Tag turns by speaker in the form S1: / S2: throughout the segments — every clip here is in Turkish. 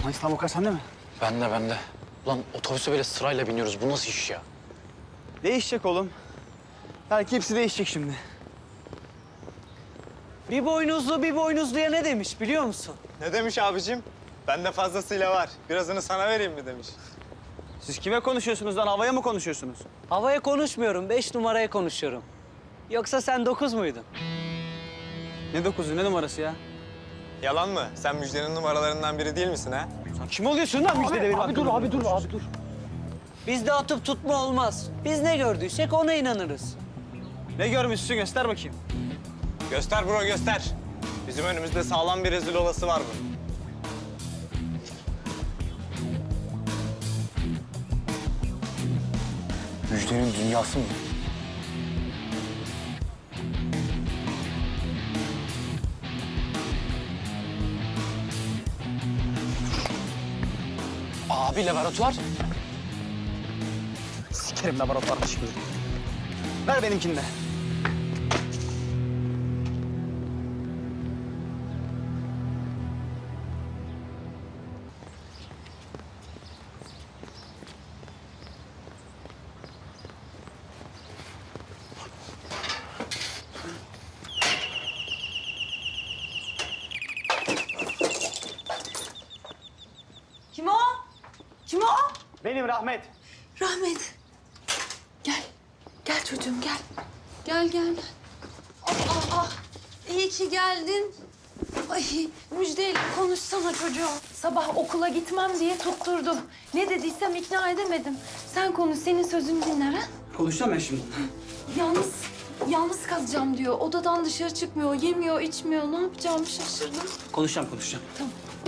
S1: İslam Okan sende mi?
S2: Bende. Ulan otobüse böyle sırayla biniyoruz. Bu nasıl iş ya?
S1: Değişecek oğlum. Belki hepsi değişecek şimdi.
S3: Bir boynuzluya ne demiş biliyor musun?
S4: Ne demiş abicim? Bende fazlasıyla var. Birazını sana vereyim mi demiş.
S1: Siz kime konuşuyorsunuz lan? Havaya mı konuşuyorsunuz?
S3: Havaya konuşmuyorum, 5 numaraya konuşuyorum. Yoksa sen 9 muydun?
S1: Ne dokuzu, ne numarası ya?
S4: Yalan mı? Sen Müjde'nin numaralarından biri değil misin ha?
S1: Sen kim oluyorsun lan müjdede benim?
S3: Abi dur. Bizde atıp tutma olmaz. Biz ne gördüysek ona inanırız.
S1: Ne görmüşsün göster bakayım.
S4: Göster bro göster. Bizim önümüzde sağlam bir rezil olası var bunun.
S2: Müjdenin dünyası mı? Abi laboratuvar.
S1: Sikerim laboratuvarda şimdi. Ver benimkini de.
S5: Kim o? Kim o?
S1: Benim Rahmet.
S5: Rahmet. Gel. Gel çocuğum gel. Gel. Ah. İyi ki geldin. Ay Müjde'yle konuşsana çocuğum. Sabah okula gitmem diye tutturdum. Ne dediysem ikna edemedim. Sen konuş, senin sözünü dinler ha.
S1: Konuşacağım ben şimdi.
S5: Yalnız kalacağım diyor. Odadan dışarı çıkmıyor, yemiyor, içmiyor. Ne yapacağımı şaşırdım.
S1: Konuşacağım.
S5: Tamam.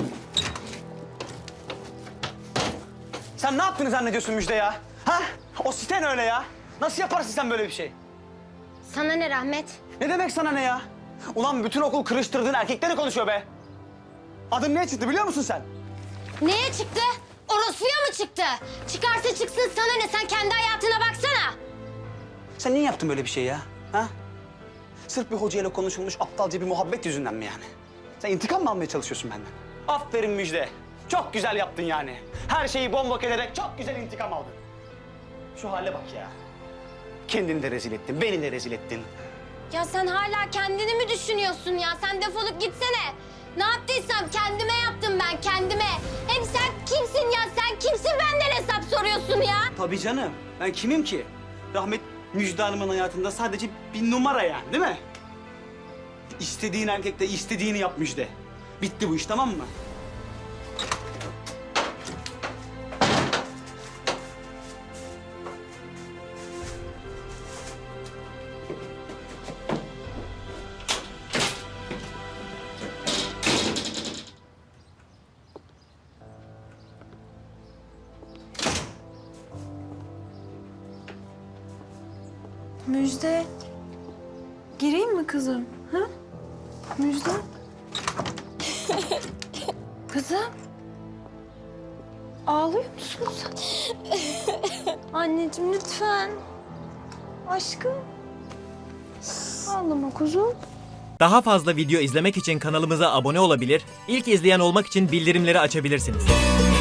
S1: Sen ne yaptığını zannediyorsun Müjde ya? Ha? O siten öyle ya. Nasıl yaparsın sen böyle bir şey?
S6: Sana ne Rahmet?
S1: Ne demek sana ne ya? Ulan bütün okul kırıştırdığın erkekleri konuşuyor be. Adın ne çıktı biliyor musun sen?
S6: Neye çıktı? Orospuya mı çıktı? Çıkarsa çıksın sana ne? Sen kendi hayatına baksana.
S1: Sen niye yaptın böyle bir şey ya? Ha? Sırf bir hocayla konuşulmuş aptalca bir muhabbet yüzünden mi yani? Sen intikam mı almaya çalışıyorsun benden? Aferin Müjde. Çok güzel yaptın yani. Her şeyi bombok ederek çok güzel intikam aldın. Şu hale bak ya. Kendini de rezil ettin, beni de rezil ettin.
S6: Ya sen hala kendini mi düşünüyorsun ya? Sen defolup gitsene. Ne yaptıysam kendime yaptım ben, kendime. Hem sen kimsin ya? Sen kimsin benden hesap soruyorsun ya?
S1: Tabii canım. Ben kimim ki? Rahmet Müjde Hanım'ın hayatında sadece bir numara yani değil mi? İstediğin erkek de istediğini yap Müjde. Bitti bu iş tamam mı?
S5: Müjde. Gireyim mi kızım? Ha? Müjde. Kızım. Ağlıyor musun sen? Anneciğim lütfen. Aşkım. Ağlama kuzum.
S7: Daha fazla video izlemek için kanalımıza abone olabilir, ilk izleyen olmak için bildirimleri açabilirsiniz.